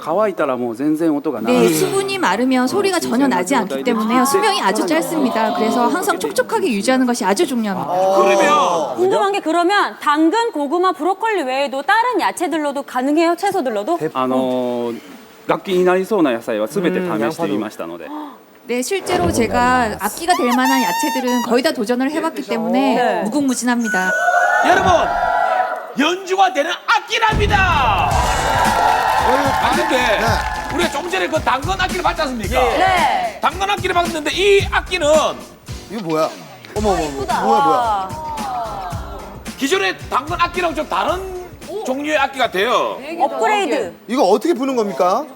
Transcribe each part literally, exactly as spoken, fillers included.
乾いたらもう全然音がな 네, い。 수분이 마르면 소리가 전혀 나지 않기 때문에 수명이 아주 짧습니다. 그래서 항상 촉촉하게 유지하는 것이 아주 중요합니다. 그러면 궁금한 게 그러면 당근, 고구마, 브로콜리 외에도 다른 야채들로도 가능해요? 채소들로도? あのー楽器になりそうな野菜は全て試してみましたので。 네, 실제로 제가 악기가 될 만한 야채들은 거의 다 도전을 해봤기 때문에 네. 무궁무진합니다. 여러분 연주가 되는 악기랍니다. 아 근데 우리가 조금 전에 그 당근 악기를 봤지 않습니까? 네. 당근 악기를 봤는데 이 악기는 이거 뭐야? 어머 어머 어머. 뭐야 뭐야? 기존의 당근 악기랑 좀 다른 종류의 악기 같아요. 업그레이드. 이거 어떻게 부는 겁니까?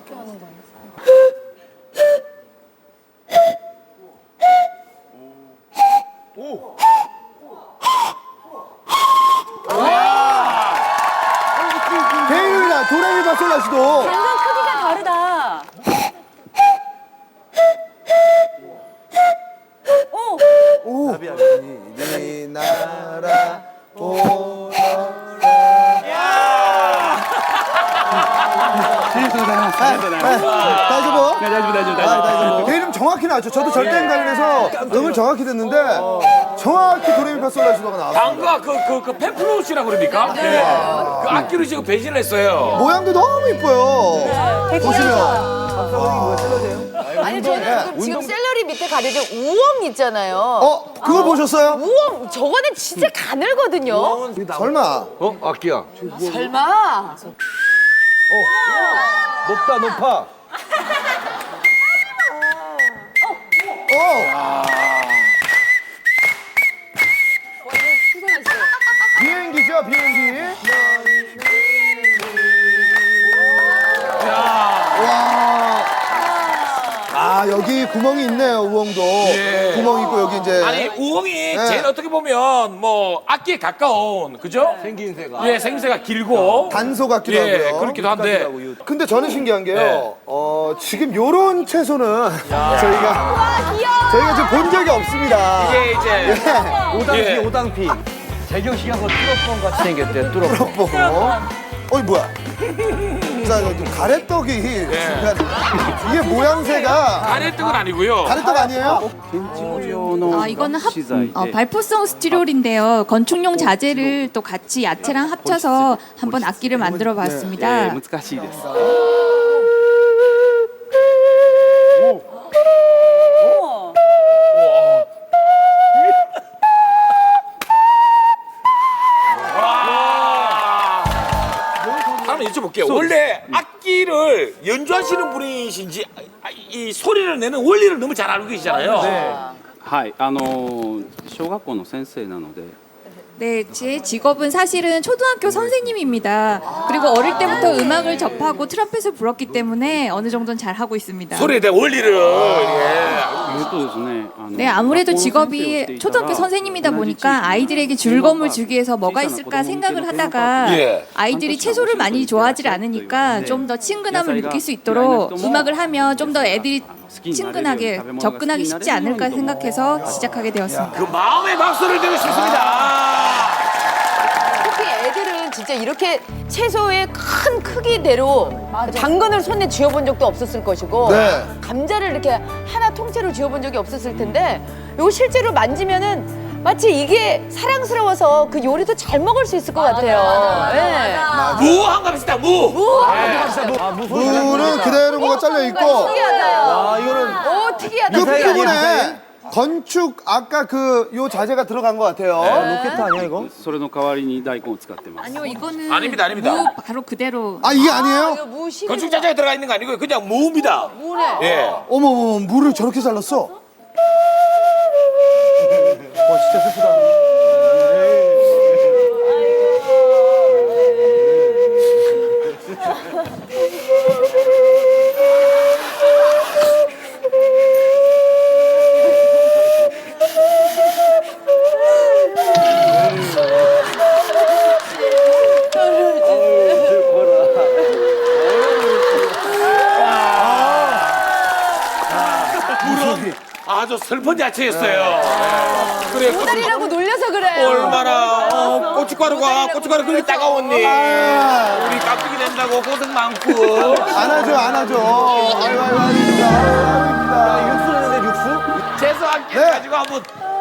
개인이다 도레미파솔라시도. 당근 크기가 다르다. 오. 오. 이 나라 오. 다시 뭐? 大丈夫大丈夫大丈夫。 내 이름 정확히 나왔죠. 저도 절대 인간이라서 음을 정확히 듣는데 정확히 도레미파솔라시도가 나왔어요. 당근과 그, 그, 그 펜플로우시라고 그럽니까? 네. 그 악기로 지금 배신을 했어요. 모양도 너무 이뻐요. 보시면. 아니 저는 지금, 지금 샐러리 밑에 가려져 우엉 있잖아요. 어? 그거 보셨어요? 우엉 저거는 진짜 가늘거든요. 설마. 어? 악기야. 설마. 높다 높아. 어. 비행기죠 비행기. 와. 아 여기 구멍이 있네요 우엉도. 예. 구멍 있고 여기 이제. 아니 우엉이 제일 어떻게 보면 뭐 악기에 가까운 그죠? 생긴새가. 예, 생김새가 길고 단소 같기도 예, 하고요. 그렇기도 한데 근데 저는 신기한 게요. 네. 어, 지금 요런 채소는 저희가 저희가 지금 본 적이 없습니다. 이게 이제 오당피 예. 오당피. 재경 씨가 그 뚜러뻥 같이 생겼대. 뚜러뻥. 보고. 어이 뭐야? 자, 여기 가래떡이 중간 이게 모양새가 가래떡은 아니고요. 가래떡 아니에요? 建築用の 아, 이거는 합, 資材 어, で 발포성 스티롤인데요. 건축용 자재를 또 같이 야채랑 합쳐서 한번 악기를 만들어 え 봤습니다. ー難しいです。 한번 여쭤볼게요. 원래 악기를 연주하시는 분이신지 아, 이 소리를 내는 원리를 너무 잘 알고 계시잖아요. はい、あのー小学校の先生なので。 네, 제 직업은 사실은 초등학교 선생님입니다. 그리고 어릴 때부터 음악을 접하고 트럼펫을 불었기 때문에 어느 정도는 잘 하고 있습니다. 소리에 대한 원리를 예. えーとですね、あの 네, 아무래도 직업이 초등학교 선생님이다 보니까 아이들에게 즐거움을 주기 위해서 뭐가 있을까 생각을 하다가 예. 아이들이 채소를 많이 좋아하지 않으니까 좀 더 친근함을 느낄 수 있도록 음악을 하면 좀 더 애들이 친근하게 접근하기 쉽지 않을까 생각해서 시작하게 되었습니다. 그 마음의 박수를 드리고 싶습니다. 특히 애들은 진짜 이렇게 채소의 큰 크기대로 당근을 손에 쥐어본 적도 없었을 것이고 네. 감자를 이렇게 하나 통째로 쥐어본 적이 없었을 텐데 이거 실제로 만지면은 마치 이게 사랑스러워서 그 요리도 잘 먹을 수 있을 것 같아요. 예. 무한 갑시다 무. 무는 그대로 뭐가 잘려 있고. 특이하다. 아 이거는 오 특이하다. 그 미사일 아니에요, 미사일? 부분에 건축 아까 그 요 자재가 들어간 것 같아요. 로켓 아니야 이거? それの代わりに大根を使ってます。 아니요, 이거는 아닙니다, 아닙니다. 무 바로 그대로. 아 이게 이거 아니에요? 무시. 건축 자재가 들어가 있는 거 아니고요. 그냥 무입니다. 무네. 예. 어머 어머 물을 저렇게 잘랐어? 와 진짜 슬프다. 아주 슬픈 야채였어요. 그래. 모다리라고 놀려서 그래요. 얼마나 어, 고춧가루가 고춧가루 그렇게 따가웠니? 아. 우리 깍두기 된다고 고생 많고. 안 하죠, 안 하죠. 아유, 아유, 아닙니다. 아닙니다. 육수 내는데 육수? 재수 아끼 네. 가지고 한번